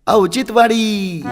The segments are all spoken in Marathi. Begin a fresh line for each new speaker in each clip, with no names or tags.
औचित्यवाडी.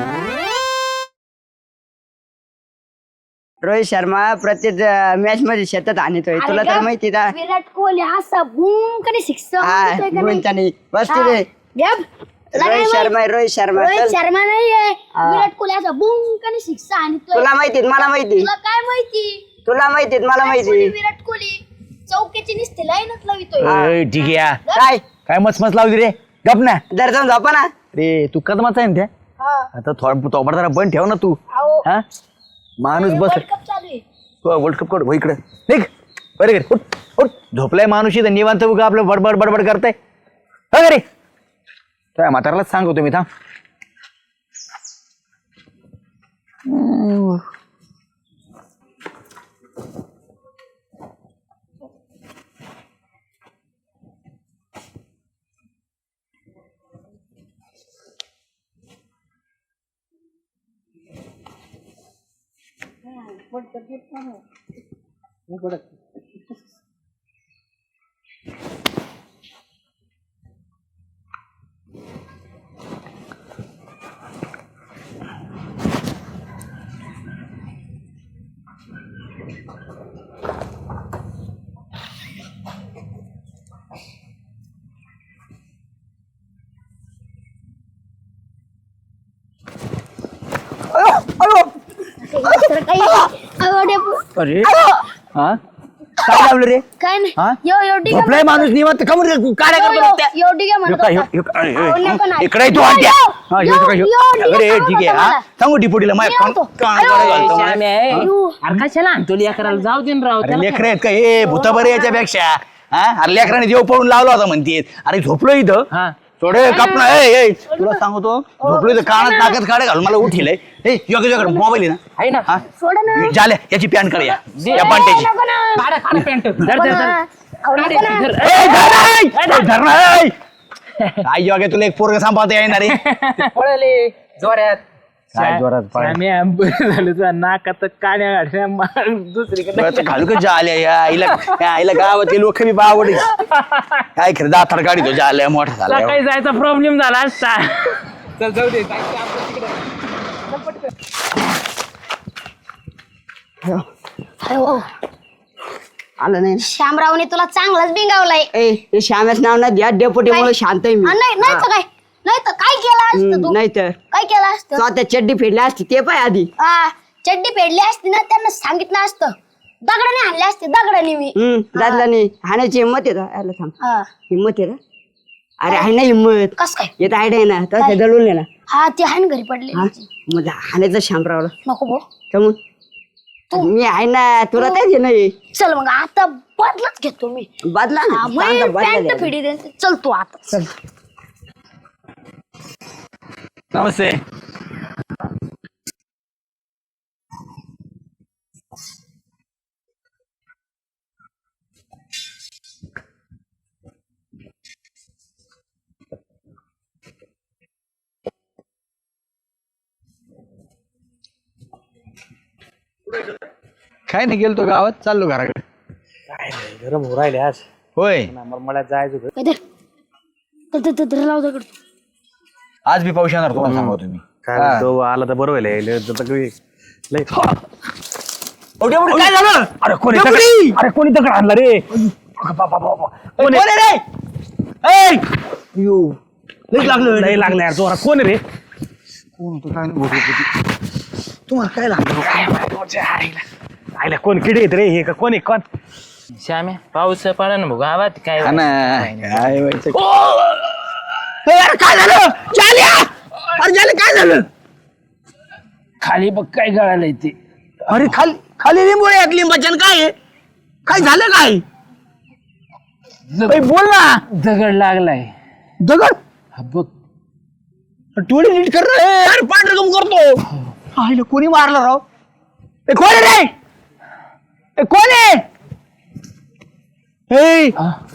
रोहित शर्मा प्रत्येक मॅच मध्ये शतक आणतोय तुला तर माहिती का.
विराट कोहली असा बूम कधी सिक्स
नाही बस रे. रोहित शर्मा
रोहित शर्मा नाहीये विराट कोहली असा बूम कधी सिक्स आणतोय.
तुला माहिती मला माहिती.
तुला काय माहिती.
तुला माहिती मला माहिती.
विराट कोहली चौक्याची निसते लाईनच लावितोय.
ठीक आहे
काय
काय मस्त लावली रे गप ना
दर्शन झोपा ना
रे तू कदमाचा आहे ना त्या आता थोडा जरा बंद ठेव ना तू हा माणूस बस
वर्ल्ड कप चालू आहे.
वर्ल्ड कप कडे इकडे निघ बरे उठ उठ झोपलाय माणूस इथं निवांत उगा आपलं बडबड बडबड करताय हो रे काय म्हातारालाच सांगतो मी थांब अरे हा काय लावलं रे
काय नाही
हा
यो यो ठीक
झोपलाय माणूस निवांत का म्हणून काय
यो ठीक आहे म्हणतो.
इकडे तू आणत्या अरे ठीक आहे हा सांगू डिपुटीला माय
कशाला आणतो लेकराला जाऊ दे ना राव त्याला
लेकर आहेत का हे भूत बरे याच्यापेक्षा हा अरे लेकराने देव पळून लावला होता म्हणते अरे झोपलो इथं
हा
थोडे कापणं ए तुला सांगतो झोपलो इथं कानात नाकात काढे घालून मला उठिलंय हे योग्य मोबाईल आहे ना
आहे ना
हा
सोडा ना.
झाल्या याची पॅन काढ या पांट्याची
काढा काढा पॅन्ट धर धर धर
काय योग्य तुला एक पोरग सांभाळता येणार रे
पळाले जोऱ्यात
काय जोरात पळाले.
आम्ही बरं झालं तुझ्या नाकात काड्या गाड्या दुसरीकडे
घालू का जाल्या या आईला गावातले लोक बी बावड काय खरं दातार गाडी तो जाल्या मोठा झाला
काही जायचा प्रॉब्लेम झाला असता चल जाऊ दे
आलं नाही
श्यामरावने तुला चांगलाच बिंगावलाय.
ए श्यामेच नाव ना द्या डेपुटी मुळे शांत आहे मी.
नाही नाही तर काय नाही तर काय केलं असतं तू.
नाही तर
काय केलं असतं.
स्वतः चड्डी फेडली असती ते पाय आधी.
चड्डी फेडली असती ना त्यांना सांगितलं असतं दगडाने आणले असते दगडाने मी.
दादला नाही हाणायची हिंमत आहे का याला थांब
हा.
हिंमत आहे का अरे आहे ना हिंमत
कस काय
येत आयडिया आहे ना तर दळून ना
हा ते आहे ना घरी पडले.
मग हाणायचं शामरावला
नको भाऊ.
तर मी आहे ना तुला काय दे नाही
चल मग आता बदलत घेतो मी.
बदला ना चांगला बदला
पॅन्ट
द्यायला.
फिडी दे. चल तू आता
चल
नमस्ते काय नाही गेलतो गावात चाललो घराकडे
गरम हो राहिले आज
होय
मला जायचं होतं.
लाव दगड.
आज बी पाऊस येणार तुम्हाला सांगतो तुम्ही
काय तो आला तर बरोबर आहे लय
काय झालं
अरे कोणी दगड आणला रे
कोण आहे रे लागलं
लय लागला यार जोरा कोण रे
तुम्हाला काय लागलं
आयला कोण किडे येत रे हे का कोण आहे कोण श्याम्या पाऊस पडा ना भाऊ गावात काय
हा ना काय व्हायचं काय झालं चाल्या अरे झालं काय झालं
खाली बघ काय गळालंय ते
अरे खाली खाली लिंबू आहे लिंबाच्यान काय आहे काय झालं काय ए, बोल ना
दगड लागलाय
दगड
हा बघ
टोळी नीट कर रे अरे पांढर कम करतो आईला कोणी मारलं राव ए कोण आहे रे ए कोण आहे ए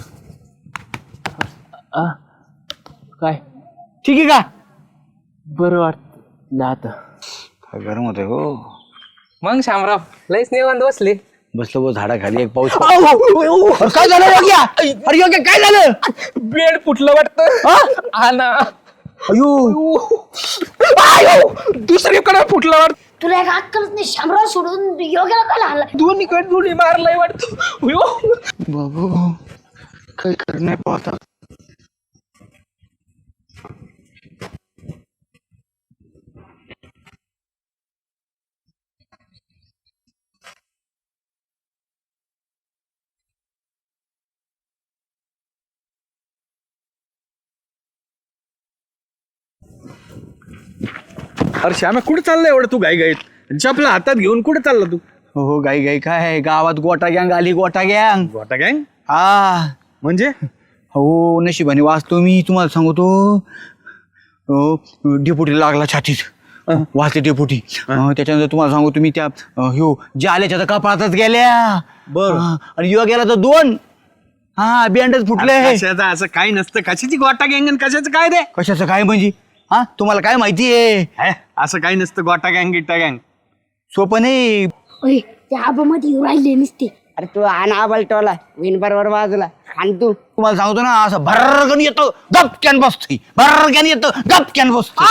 काय
ठीक आहे का
बरं वाटत आता
काय गरम होतंय हो
मग शामराव लयच निवांत बसले.
बसलो बो झाडाखाली एक पाऊस अरे काय झालं योग्या अरे योग्या काय झालं
बेड फुटलं वाटतं. हा ना दुसरीकडे फुटला वाटत
तुला एक अक्कलच नाही शामराव सोडून योग्याला का आणला
दोन्हीकडे दोन्ही मारलाय वाटतो
बाबू काय करणे पाहता.
अरे श्याम्या कुठे चाललाय एवढं तू गाई गाईत चपला हातात घेऊन कुठे चालला तू
हो गाई गाई काय गावात गोटा गँग आली गोटा गँग.
गोटा गँग
हा
म्हणजे
हो नशिबाने वाचतो मी तुम्हाला सांगतो. डेपुटी लागला छातीत वाचले डेपुटी. त्याच्यानंतर तुम्हाला सांगू तुम्ही त्या ह्यो ज्या आल्याच्या तर कपाळातच गेल्या.
बर
आणि युवा गेला तर 2 हा बँडच फुटले.
कशाचं असं काही नसतं कशाची गोटा गँग आणि कशाचं काय ते
कशाचं काय म्हणजे हा तुम्हाला काय माहिती आहे.
असं काही नसतं गोटा गँग गिट्टा गँग
सोपं नाही.
ओय त्या आबामध्ये राहिले नसते
अरे तू आण आबाल टोला विन बरोबर बाजूला आणि तू
तुम्हाला सांगतो ना असं भरकन येतो गपक्यान बसतोय भरकन येतो गपक्यान बसतो.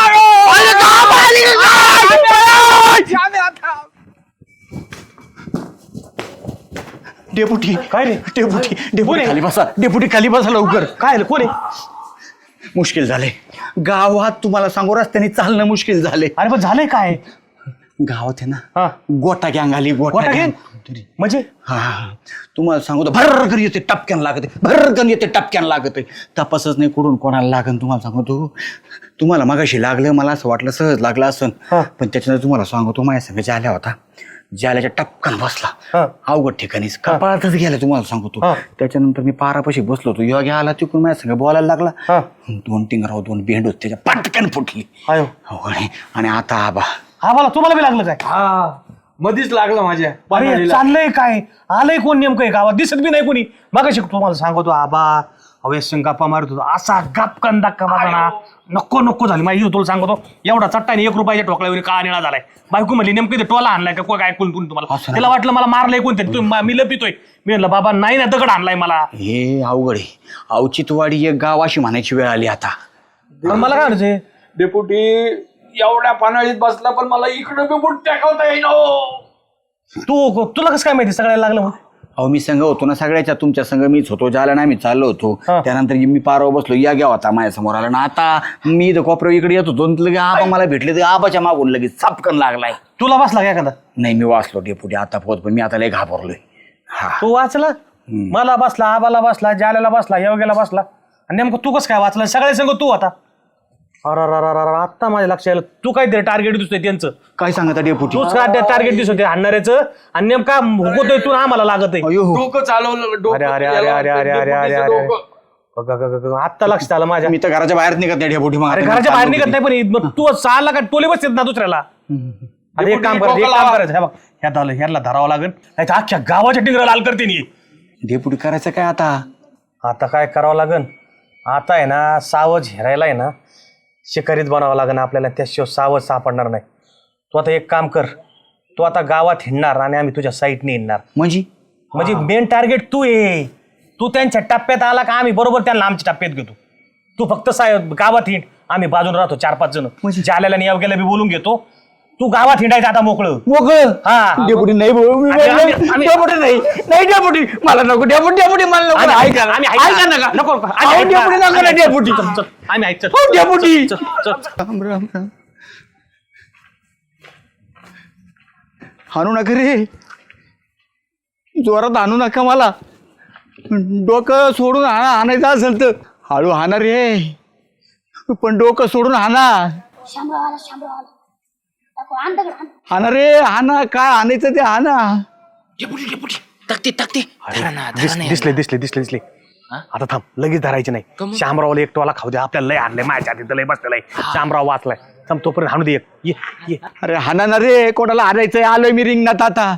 डेपुटी
काय रे?
डेपुटी डेपुटी खाली बसा डेपुटी खाली बसा लवकर.
काय कोण आहे?
मुश्किल झाले गावात तुम्हाला सांगू रस्त्याने चालणं मुश्किल झाले.
अरे पण झालंय काय?
गावात आहे ना
हा
गोटा गँग आली गोटा
गोटा
गँग.
गँग? म्हणजे
हा तुम्हाला सांगतो भरकन येते टपक्यान लागते भरकन येते टपक्यान लागते. तपासच नाही कुठून कोणाला लागन तुम्हाला सांगतो. तुम्हाला मगाशी लागलं मला असं वाटलं सहज लागलं असं पण त्याच्यानंतर तुम्हाला सांगतो माझ्या संग जाल्या होता जाल्याच्या टपकन बसला अवघड ठिकाणीच कपाळातच गेला तुम्हाला सांगतो. त्याच्यानंतर मी पारापाशी बसलो होतो योग्य आला तिकडून माझ्या संग बोलायला लागला. 2 टिंगराव 2 बेंड होते त्याच्या पटकन फुटली. आणि आता आबा
हा मला तुम्हाला बी लागलं काय?
हा मधीच लागला माझ्या
अरे चाललंय काय? आलंय कोण नेमकं आहे गावात? दिसत बी नाही कोणी. मगाशी तुम्हाला सांगतो आबा अवश्य गप्पा मारत होतो असा गपकन धक्का माझा ना नको नको झाली माझी. तुला सांगतो एवढा चट्टाने 1 रुपयाच्या टोकल्यावर का निळा झालाय. बायको म्हणली नेमकं ते टोला आणलाय का काय ऐकून तुम्हाला त्याला वाटलं मला मारलंय कोणतरी मी लपितोय. मी म्हणलं बाबा नाही ना दगड आणलाय मला.
हे अवघड आहे. औचित्यवाडी एक गाव अशी म्हणायची वेळ आली आता.
पण मला काय म्हणायचंय
डेपुटी एवढ्या पानाळीत बसला पण मला इकडे बिबूट टाकवता येईना.
तुला कसं काय माहिती सगळ्याला लागलं म्हणून?
अहो मी संघ होतो ना सगळ्याच्या तुमच्या संघ मीच होतो ज्याला ना मी चाललो होतो. त्यानंतर मी पारावर बसलो या घ्या होता माझ्या समोर आला ना आता मी इथं कोपऱ्या इकडे येत होतो लगे आबा मला भेटले तर आबाच्या मागून लगेच चपकन लागलाय.
तुला बसला काय एखादा?
नाही मी वाचलो डेपुटी आता पोहोच पण मी आता लय घाबरलोय. हा
तू वाचला? मला बसला आबाला बसला जाल्याला बसला योग्याला बसला आणि नेमकं तू कसं काय वाचला? सगळे संग तू आता. अरे आता माझ्या लक्षात आलं तू काहीतरी टार्गेट दिसतोय त्यांचं.
काय सांगता डेपुटी?
तूच काय टार्गेट दिसतोय हाणणाऱ्याचं आणि नेमका हुकतोय तू आम्हाला लागत आहे.
डोकं चालवलं
अरे अरे अरे अरे अरे अरे अरे अरे आता लक्षात आलं माझ्या.
मी तर घराच्या बाहेर निघत नाही डेपुटी. मग
अरे घराच्या बाहेर निघत नाही पण तू चालला का टोले बसतात ना दुसऱ्याला. अरे एक काम करायचं हे बघ ह्याला धरावं लागेल नाही तर अख्ख्या गावाच्या टिंगरा लाल करते नी.
डेपुटी करायचं काय आता?
आता काय करावं लागेल? आता आहे ना सावज हेरायला आहे ना शिकारीत बनावं लागेल आपल्याला त्याशिवाय सावज सापडणार नाही. तू आता एक काम कर तू आता गावात हिंडणार आणि आम्ही तुझ्या साईटने हिंडणार. म्हणजे मेन टार्गेट तू आहे. तू त्यांच्या टप्प्यात आला का आम्ही बरोबर त्यांना आमच्या टप्प्यात घेतो. तू फक्त गावात हिंड आम्ही बाजून राहतो 4-5 जण जाल्याला आणि यावग्याला बी बोलून घेतो. तू गावात हिंडायचं आता मोकळं. हा
डेपुटी नाही डेपुटी नाही डेपुटी मला नको डेपुटी डेपुटी मला नको
आम्ही
ऐका नका
नको
डेपुटी नको ना डेपुटी
आम्ही ऐकतो
डेपुटी
चल
राम राम हाणू नका रे जोरात हाणू नका मला डोकं सोडून हाणायचं असेल तर हळू हाना रे पण डोकं सोडून हाना.
शामराव आला आण दगड आण.
हाना रे हाना काय हाणायचं ते हाना.
दिसले आता थांब लगेच धरायचे नाही. शामरावला एक टोला खाऊ दे आपल्याला लय आणलंय माझ्या आधी लय बसलेला आहे. शामराव वाचलाय थांब तोपर्यंत हाणू दे एक ये.
अरे हाना ना रे कोणाला हाणायचंय आलोय मी रिंगणात आता.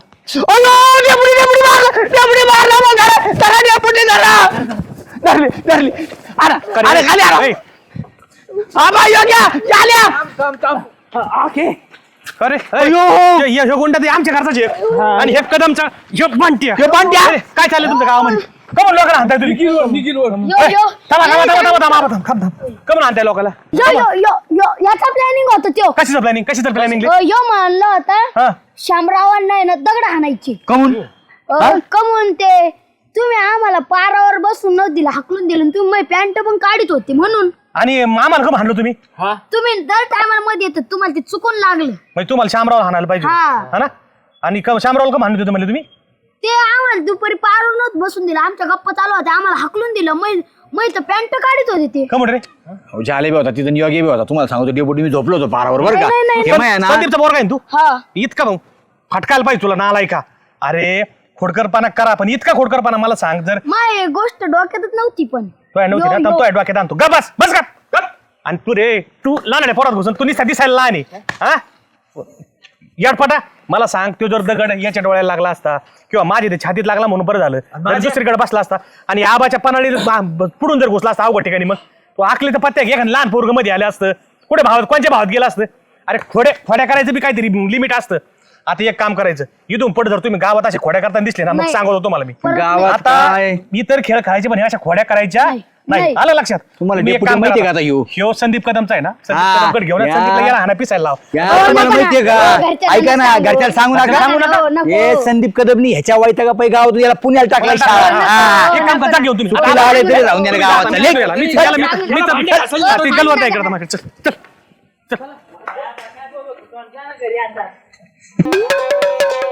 अरे गुंडा ते आमच्या घरचाच एक आणि हे कदमचा बांट्या काय चाललंय तुमच्या गावामध्ये? कमून लोकांना हाणताय तुम्ही
यो
ए,
यो
थांबा कमून हाणताय लोकांना
यो यो यो यो याचा प्लॅनिंग होता त्यो
कशाचं प्लॅनिंग
यो म्हणलं होता
हा
शामरावांना आहे ना दगड हाणायची
कमून
कमून ते तुम्ही आम्हाला पारावर बसून न दिला हाकलून दिलं तुम्ही माझी पॅन्ट पण काढीत होती म्हणून
आणि आम्हाला कम हाणलो तुम्ही
तुम्ही दर टायमाला मध्ये येतात तुम्हाला ते चुकून लागलं
म्हणजे तुम्हाला शामराव हाणायला पाहिजे
हा.
हा ना आणि शामरावला कम हाणलं होतं म्हणले तुम्ही
ते आम्हाला दुपारी पारावर नव्हतं बसून दिलं आमच्या गप्पा चालू होत्या आम्हाला हाकलून दिलं मै तर पॅन्ट काढीत होते ते
कमून रे
झाले बी होता तिथं योगी बी होता तुम्हाला सांगतो डेपुटी मी झोपलो होतो पारावर बरं का
नाही, नाही,
हे माया ना
संदीपचा पोरगा आहे ना तू
हा
इतका भाऊ फटकायला पाहिजे तुला नालाय का अरे खोडकरपणा करा पण इतका खोडकरपणा मला सांग जर
माय गोष्ट डोक्यातच नव्हती पण
तो नव्हती
यो,
ना
यो.
तो डोक्यात आणतो ग बस का आणि तू रे तू लहान आहे पोरात घुसून तू निसा दिसायला लहान आहे हा याडपटा मला सांग तो जर दगड याच्या डोळ्याला लागला असता किंवा माझ्या ते छातीत लागला म्हणून बरं झालं जर दुसरीकडे बसला असता आणि आबाच्या पणाने पुढून जर घुसला असता अवघड ठिकाणी मग तो आकले तर पत्त्या एखादं लहान पोरग मध्ये आलं असतं कुठे भावात कोणत्या भावात गेलं असतं अरे खोड्या करायचं बी काहीतरी लिमिट असतं आता एक काम करायचं इथून पुढे जर तुम्ही गावात अशा खोड्या करताना दिसले ना मग
नाही.
सांगत होतो मला मी
गावात
आता
काय?
इतर खेळ खेळायचे पण हे अशा खोड्या करायच्या
नाही.
नाही
नाही.
आलं लक्षात
तुम्हाला
तुम्ही एक
डेपुटी
काम
माहितीये
करा.
का आता ह्यो?
ह्यो संदीप कदमचा आहे ना संदीप
हा.
कदमकडे घेऊन
या.
संदीपला याला हाणा पिसायला लाव
या,
हो,
तुम्हाला
नको
माहितीये
ना.
का
घरच्यांना
ऐका ना
सांगू.
घरच्याला सांगू नका
सांगू नका. नको.
हे संदीप कदमनी ह्याच्या वैता का पै गावातून याला पुण्याला टाकला शाळा
एक काम करता घेऊन तुम्ही
सुट्टीला आले तरी राहून द्या गावात.
मी
चल,
याला- मी-
चल.
याला- मी- मी- मी- मी- गलवत नाही करत माझ्याकडे. चल चल